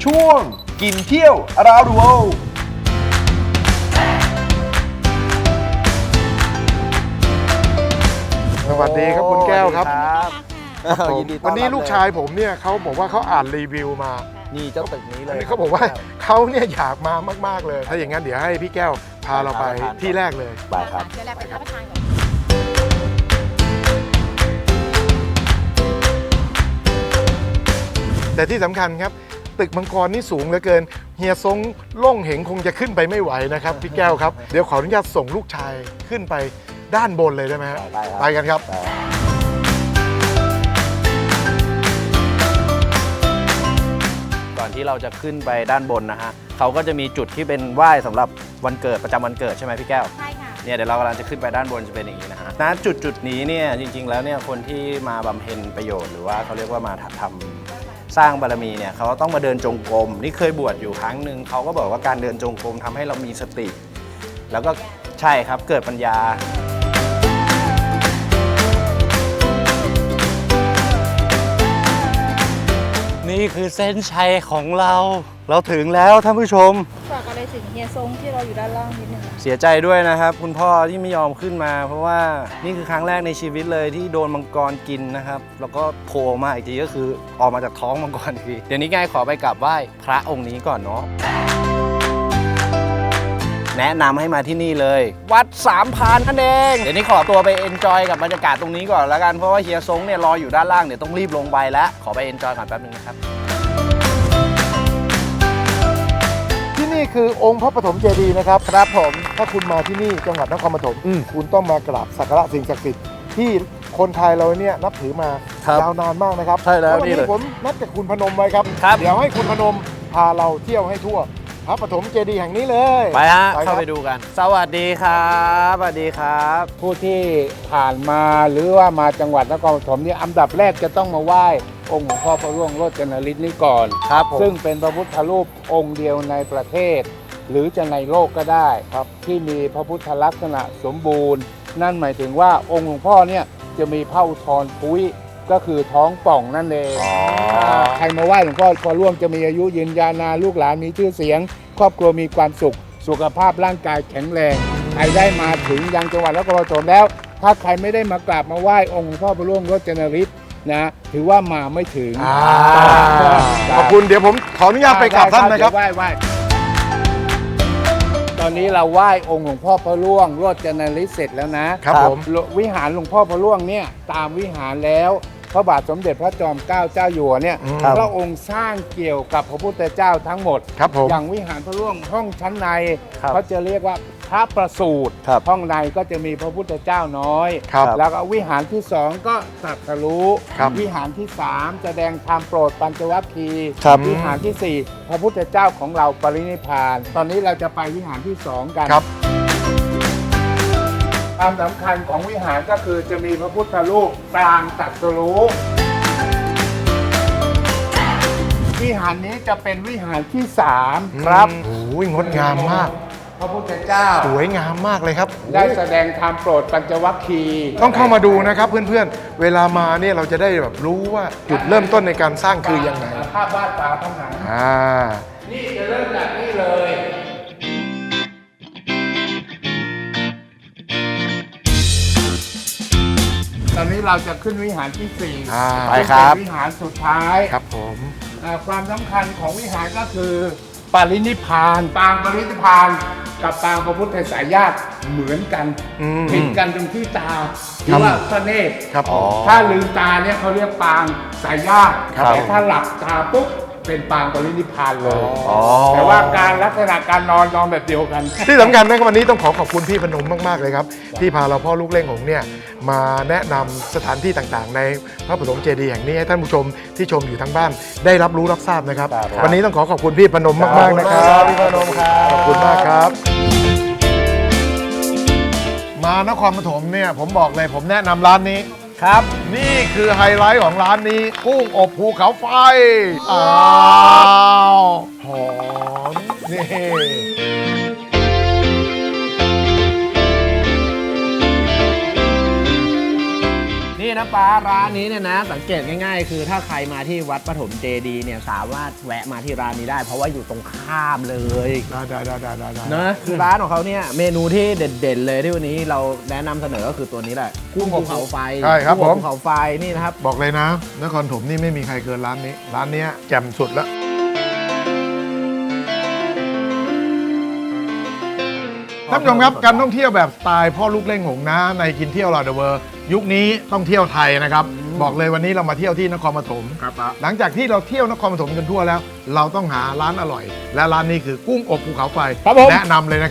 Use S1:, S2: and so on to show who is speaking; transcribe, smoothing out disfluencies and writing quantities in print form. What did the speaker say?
S1: ช่วงกินเที่ยว Around the World
S2: สวัสดีครับคุณแก้วครับ
S3: ยินดีต้อนรับ
S2: วันนี้ลูกชายผมเนี่ยเขาบอกว่าเขาอ่านรีวิวมา
S3: นี่เจ้าตึกนี้เลย
S2: เขาบอกว่าเขาเนี่ยอยากมามากๆเลย ถ้าอย่างนั้นเดี๋ยวให้พี่แก้วพาเราไปที่แรกเลย
S3: ไปครับ
S4: เดี๋ยวเราไปรับประทานก่อน
S2: แต่ที่สำคัญครับตึกมังกรนี่สูงเหลือเกินเฮียซงล่งเหงคงจะขึ้นไปไม่ไหวนะครับพี่แก้วครับเดี๋ยวขออนุญาตส่งลูกชายขึ้นไปด้านบนเลยได้ไหมฮะ
S3: ได้ครับ
S2: ไปกันครับ
S3: ก่อนที่เราจะขึ้นไปด้านบนนะฮะเขาก็จะมีจุดที่เป็นไหว้สำหรับวันเกิดประจำวันเกิดใช่ไหมพี่แก้ว
S4: ใช่ค่ะ
S3: เนี่ยเดี๋ยวเรากำลังจะขึ้นไปด้านบนจะเป็นอย่างนี้นะฮะณจุดนี้เนี่ยจริงๆแล้วเนี่ยคนที่มาบำเพ็ญประโยชน์หรือว่าเขาเรียกว่ามาทำสร้างบารมีเนี่ยเขาต้องมาเดินจงกรมนี่เคยบวชอยู่ครั้งหนึ่งเขาก็บอกว่าการเดินจงกรมทำให้เรามีสติ แล้วก็ใช่ครับเกิดปัญญานี่คือเส้นชัยของเราถึงแล้วท่านผู้ชม
S4: ฝากอะไรถึงเฮียซงที่เราอยู่ด้านล่างนิดนึงนะ
S3: เสียใจด้วยนะครับคุณพ่อที่ไม่ยอมขึ้นมา เพราะว่านี่คือครั้งแรกในชีวิตเลยที่โดนมังกรกินนะครับแล้วก็โผล่มาอีกทีก็คือออกมาจากท้องมังกรอีกทีเดี๋ยวนี้ง่ายขอไปกราบไหว้พระองค์นี้ก่อนเนาะแนะนำให้มาที่นี่เลย วัดสามพรานนั่นเองเดี๋ยวนี้ขอตัวไปเอนจอยกับบรรยากาศตรงนี้ก่อนแล้วกันเพราะว่าเฮียซงเนี่ยรออยู่ด้านล่างเดี๋ยวต้องรีบลงไปแล้วขอไปเอนจอยก่อนแป๊บนึงนะครับ
S2: ที่นี่คือองค์พระปฐมเจดีย์นะครับครับผมถ้าคุณมาที่นี่จังหวัดนครปฐมคุณต้องมากราบสักการะสิ่งศักดิ์สิทธิ์ที่คนไทยเราเนี่ยนับถือมา
S3: ครับ
S2: ยาวนานมากนะครับ
S3: ใช่แล้ว
S2: วัน
S3: นี่
S2: นี้
S3: เลย
S2: ผมนัดกับคุณพนมไว้ครับ
S3: ครับ
S2: เดี๋ยวให้คุณพนมพาเราเที่ยวให้ทั่วพระปฐมเจดีย์แห่งนี้เลย
S3: ไปฮะ
S2: ครับ
S3: เข้าไปดูกัน สวัสดีครับสวัสดีครับ
S5: ผู้ที่ผ่านมาหรือว่ามาจังหวัดนครปฐมเนี่ยอันดับแรกจะต้องมาไหว้องค์หลวงพ่อพระร่วงโรจนฤทธิ์นี้ก่อน
S3: ครับผม
S5: ซึ่งเป็นพระพุทธรูปองค์เดียวในประเทศ หรือจะในโลกก็ได้ครับที่มีพระพุทธลักษณะสมบูรณ์ นั่นหมายถึงว่าองค์หลวงพ่อเนี่ยจะมีพระอุทธรพุ้ยก็คือท้องป่องนั่นเองใครมาไหว้หลวงพ่อพอร่วงจะมีอายุยืนยาวนานลูกหลานมีชื่อเสียง ครอบครัวมีความสุข สุขภาพร่างกายแข็งแรงใครได้มาถึงยังจังหวัดนครปฐมแล้ว ถ้าใครไม่ได้มากราบมาไหว้องค์หลวงพ่อพระร่วงโรจนฤทธิ์นะถือว่ามาไม่ถึง
S2: ขอบคุณเดี๋ยวผมขออนุญาตไปกราบท่านนะครับ
S5: เดี๋ยวไหว้ตอนนี้เราไหว้องค์หลวงพ่อพระร่วงโรจนฤทธิ์เสร็จแล้วนะครับ
S2: ผม
S5: วิหารหลวงพ่อพระร่วงเนี่ยตามวิหารแล้วพระบาทสมเด็จพระจอมเกล้าเจ้าอยู่หัวเนี่ยพระองค์สร้างเกี่ยวกับพระพุทธเจ้าทั้งหมด
S2: ครับผม
S5: อย่างวิหารพระร่วงห้องชั้นใน
S3: ครับ
S5: เขาจะเรียกว่าพระประสูติ
S3: ครับ
S5: ห้องในก็จะมีพระพุทธเจ้าน้อย
S2: ครับ
S5: แล้วก็วิหารที่สองก็ตรัสรู้
S2: ครับ
S5: วิหารที่สามแสดงธรรมโปรดปัญจวัคคีย์
S2: ครับ
S5: วิหารที่สี่พระพุทธเจ้าของเราปรินิพพาน ตอนนี้เราจะไปวิหารที่สองกัน
S2: ครับ
S5: ความสำคัญของวิหารก็คือจะมีพระพุทธรูปปรางตรัสรู้วิหารนี้จะเป็นวิหารที่สามครับ
S2: โอ้ยงดงามมาก
S5: พระพุทธเจ้า
S2: สวยงามมากเลยครับ
S5: ได้แสดงธรรมโปรดปัญจวัคคีย์
S2: ต้องเข้ามาดูนะครับเพื่อนๆ เวลามาเนี่ยเราจะได้แบบรู้ว่าจุดเริ่มต้นในการสร้างคือยังไง
S5: ภาพวาดฝาผนัง นี่จะเริ่มจากนี่เลย ตอนนี้เราจะขึ้นวิหารที่สี่
S3: ไปครับ
S5: เป็นวิหารสุดท้าย
S2: ครับผม
S5: ความสำคัญของวิหารก็คือปรินิพพานปางปรินิพพานกับปางพระพุทธสายญาติเหมือนกันผิดกันตรงที่ตาหรือว่าพระเนตร
S2: ครับผม
S5: ถ้าลืมตาเนี่ยเขาเรียกปางสายญาติ
S2: ครับ
S5: แต่ถ้าหลับตาปุ๊บเป็นปางปรินิพพานเลย
S3: อ๋อ
S5: แต่ว่าการลักษณะการนอนแบบเดียวกัน
S2: ที่สำคัญนะครับวันนี้ต้องขอบคุณพี่พนมมากๆเลยครับ ที่พาเราพ่อลูกเล่งของเนี่ยมาแนะนำสถานที่ต่างๆ ในพระปฐมเจดีย์แห่งนี้ให้ท่านผู้ชมที่ชมอยู่ทางบ้านได้รับรู้รับทราบนะครับ วันนี้ต้องขอบคุณพี่พนมมากๆนะครับ
S3: พี่พนมครับ
S2: ขอบคุณมากครับ มานครปฐมเนี่ยผมบอกเลยผมแนะนำร้านนี้
S3: ครับ
S2: นี่คือไฮไลท์ของร้านนี้ กุ้งอบภูเขาไฟ อ้าว หอม นี่
S3: นี่นะป้าร้านนี้เนี่ยนะสังเกตง่ายๆ คือถ้าใครมาที่วัดปฐมเจดีย์เนี่ยสามารถแวะมาที่ร้านนี้ได้ เพราะว่าอยู่ตรงข้ามเลย
S2: ได้
S3: นะคือร้านของเขาเนี่ยเมนูที่เด่นๆเลยที่วันนี้เราแนะนำเสนอก็คือตัวนี้แหละกุ้งภูเขาไฟ
S2: ใช่ครับ
S3: กุ้ง
S2: ผม
S3: ภูเขาไฟนี่นะครับ
S2: บอกเลยนะนครถมนี่ไม่มีใครเกินร้านนี้ร้านเนี้ยแจ่มสุดแล้วท่านผู้ชมครับการท่องเที่ยวแบบสไตล์พ่อลูกเล่งหงนะในกินเที่ยวรอเดอะเวิร์ยุคนี้ต้องเที่ยวไทยนะครับบอกเลยวันนี้เรามาเที่ยวที่นครปฐม
S3: ครับป้า
S2: หลังจากที่เราเที่ยวนครปฐมกันทั่วแล้ว เราต้องหาร้านอร่อย และร้านนี้คือกุ้งอบภูเขาไฟ
S3: ครับผม
S2: แนะนำเลยนะครับ